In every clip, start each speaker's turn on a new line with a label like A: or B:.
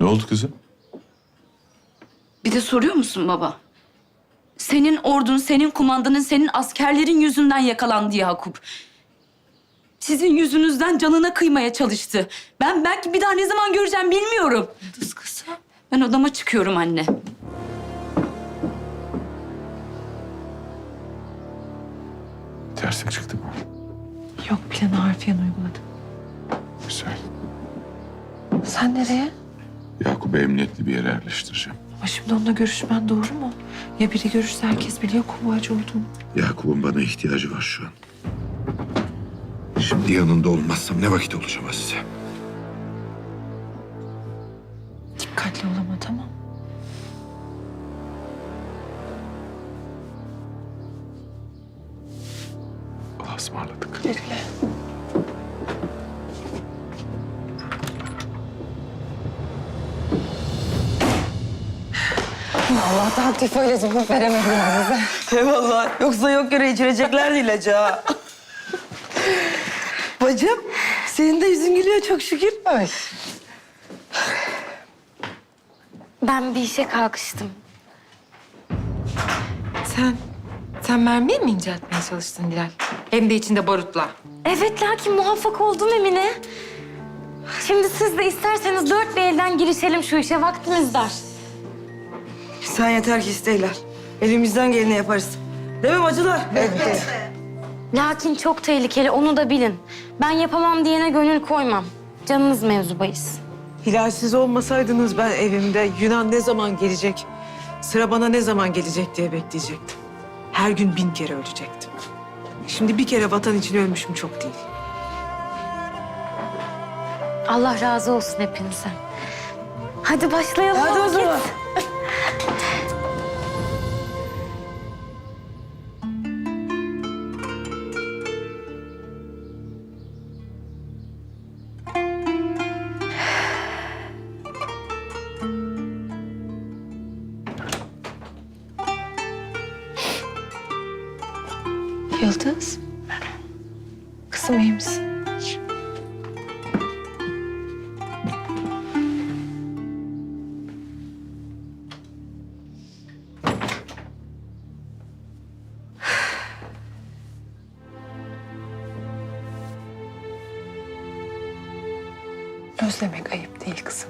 A: Ne oldu kızım?
B: Bir de soruyor musun baba? Senin ordun, senin kumandanın, senin askerlerin yüzünden yakalandı Yakup. Sizin yüzünüzden canına kıymaya çalıştı. Ben belki bir daha ne zaman göreceğim bilmiyorum.
C: Kız kızım.
B: Ben odama çıkıyorum anne.
A: Terslik çıktı mı?
C: Yok, planı harfiyen uyguladım.
A: Güzel.
C: Sen nereye?
A: Yakup'u emniyetli bir yere yerleştireceğim.
C: Ama şimdi onunla görüşmen doğru mu? Ya biri görürse herkes biliyor kovacı olduğunu.
A: Yakup'un bana ihtiyacı var şu an. Şimdi yanında olmazsam ne vakit olacağım size?
C: Dikkatli ol ama, tamam.
A: Allah'a ısmarladık.
C: Güle.
D: Allah'tan tiföyle cevap veremediler bize.
E: Eyvallah. Yoksa yok yere içireceklerdi ilacı ha. Bacım, senin de yüzün gülüyor çok şükür.
D: Ay.
F: Ben bir işe kalkıştım.
D: Sen mermiye mi inceltmeye çalıştın Dilal? Hem de içinde barutla.
F: Evet, lakin muvaffak oldum Emine. Şimdi siz de isterseniz dört bir elden girişelim şu işe. Vaktimiz dar.
E: Sen yeter ki isteyler. Elimizden geleni yaparız. Değil mi bacılar? Evet.
F: Lakin çok tehlikeli, onu da bilin. Ben yapamam diyene gönül koymam. Canınız mevzu bahis.
G: Hilal, siz olmasaydınız ben evimde Yunan ne zaman gelecek, sıra bana ne zaman gelecek diye bekleyecektim. Her gün 1000 kere ölecektim. Şimdi bir kere vatan için ölmüşüm çok değil.
F: Allah razı olsun hepinizden. Hadi başlayalım.
E: Hadi o zaman.
C: Yıldız. Kızım, iyi misin? Özlemek ayıp değil kızım.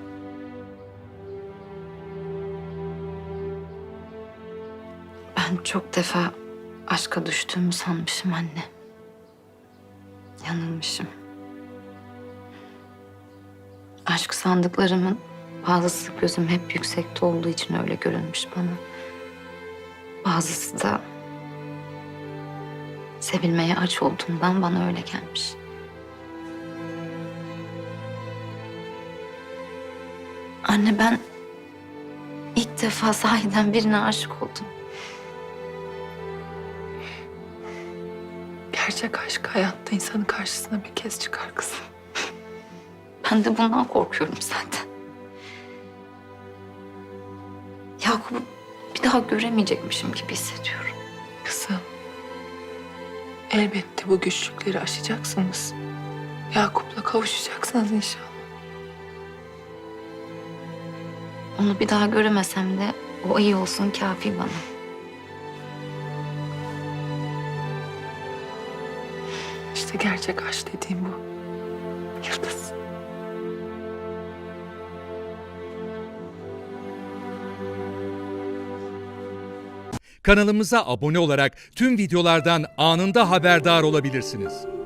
B: Ben çok defa aşka düştüğümü sanmışım anne. Yanılmışım. Aşk sandıklarımın bazısı gözüm hep yüksekte olduğu için öyle görünmüş bana. Bazısı da sevilmeye aç olduğumdan bana öyle gelmiş. Anne, ben ilk defa sahiden birine aşık oldum.
C: Gerçek aşk hayatta insanın karşısına bir kez çıkar kızım.
B: Ben de bundan korkuyorum zaten. Yakup'u bir daha göremeyecekmişim gibi hissediyorum.
C: Kızım, elbette bu güçlükleri aşacaksınız. Yakup'la kavuşacaksınız inşallah.
B: Onu bir daha göremesem de o iyi olsun kafi bana.
C: İşte gerçek aşk dediğim bu. Yıldız.
H: Kanalımıza abone olarak tüm videolardan anında haberdar olabilirsiniz.